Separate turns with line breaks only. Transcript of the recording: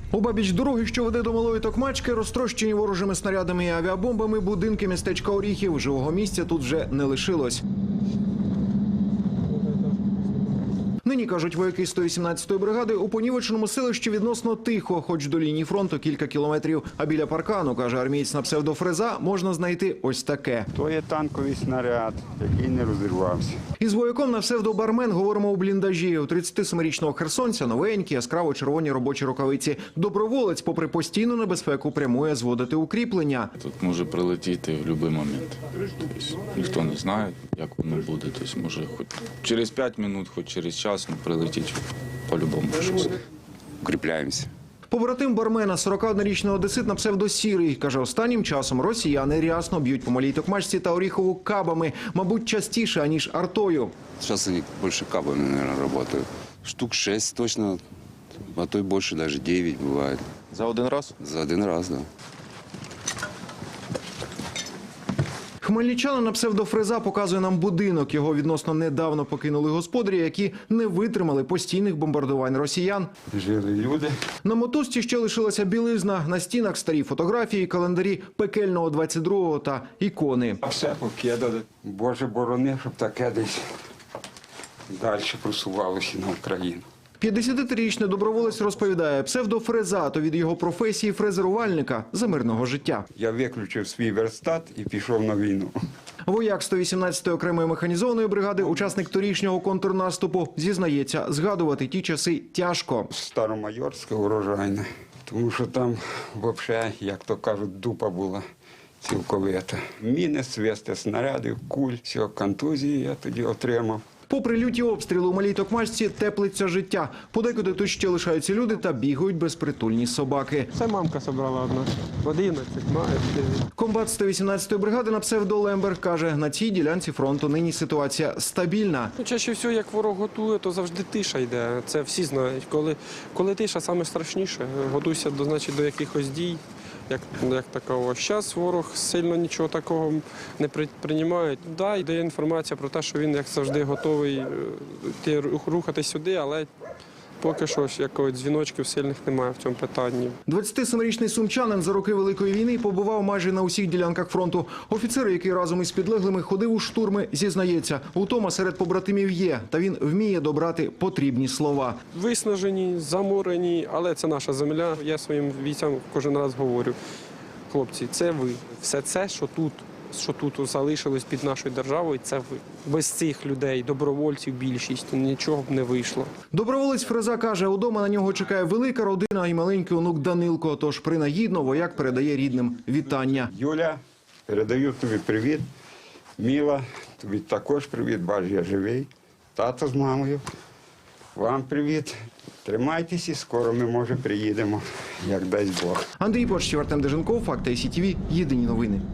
Обабіч дороги, що веде до Малої Токмачки, розтрощені ворожими снарядами і авіабомбами будинки містечка Оріхів. Живого місця тут вже не лишилось. Нині, кажуть вояки 118-ї бригади, у понівеченому селищі відносно тихо, хоч до лінії фронту кілька кілометрів. А біля паркану, каже армієць на псевдофреза, можна знайти ось таке.
То є танковий снаряд, який не розірвався.
Із вояком на псевдобармен говоримо у бліндажі. У 37-річного херсонця новенькі, яскраво червоні робочі рукавиці. Доброволець, попри постійну небезпеку, прямує зводити укріплення.
Тут може прилетіти в будь-який момент. Тобто, ніхто не знає, як воно буде. Тобто, може хоч через 5 хвилин, хоч через час прилетіть по-любому щось.
Укріпляємося.
Побратим бармена, 41-річний одесит на псевдосірий, каже, останнім часом росіяни рясно б'ють по Малій Токмачці та Оріхову кабами, мабуть, частіше, аніж артою.
Сейчас они больше кабами, наверное, работают. Штук 6 точно, а то и больше, даже 9 бывает.
За один раз?
За один раз, да.
Хмельничанин на псевдофреза показує нам будинок. Його відносно недавно покинули господарі, які не витримали постійних бомбардувань росіян.
Жили люди.
На мотузці ще лишилася білизна, на стінах старі фотографії, календарі пекельного 22-го та ікони.
А все покидали. Боже борони, щоб таке десь далі просувалося на Україну.
53-річний доброволець розповідає, псевдофреза – то від його професії фрезерувальника за мирного життя.
Я виключив свій верстат і пішов на війну.
Вояк 118-ї окремої механізованої бригади, учасник торішнього контрнаступу, зізнається, згадувати ті часи тяжко.
Старомайорське урожайне. Тому що там взагалі, як то кажуть, дупа була цілковита. Міни, свисти снарядів, куль, всього контузії я тоді отримав.
Попри люті обстріли у Малій Токмачці теплиться життя. Подекуди тут ще лишаються люди та бігають безпритульні собаки.
Це мамка собрала одна. 11 має.
Комбат 118-ї бригади на псевдо Лембер каже, на цій ділянці фронту нині ситуація стабільна.
Чаще всього, як ворог готує, то завжди тиша йде. Це всі знають. Коли тиша, саме страшніше. Готуйся до якихось дій, як такого. Зараз ворог сильно нічого такого не приймає. Да, йде інформація про те, що він, як завжди, готовий рухатись сюди, але поки що якогось дзвіночків сильних немає в цьому питанні.
27-річний сумчанин за роки Великої війни побував майже на усіх ділянках фронту. Офіцер, який разом із підлеглими ходив у штурми, зізнається, утома серед побратимів є, та він вміє добрати потрібні слова.
Виснажені, заморені, але це наша земля. Я своїм бійцям кожен раз говорю, хлопці, це ви. Все це, що тут залишилось під нашою державою, це ви. Без цих людей, добровольців більшість, нічого б не вийшло.
Доброволець фреза каже, удома на нього чекає велика родина і маленький онук Данилко, тож принагідно вояк передає рідним вітання.
Юля, передаю тобі привіт. Міла, тобі також привіт, бач, я живий. Тато з мамою, вам привіт. Тримайтеся, скоро ми, може, приїдемо, як дасть Бог.
Андрій Почтів, Артем Деженков, Факти СІТВ, єдині новини.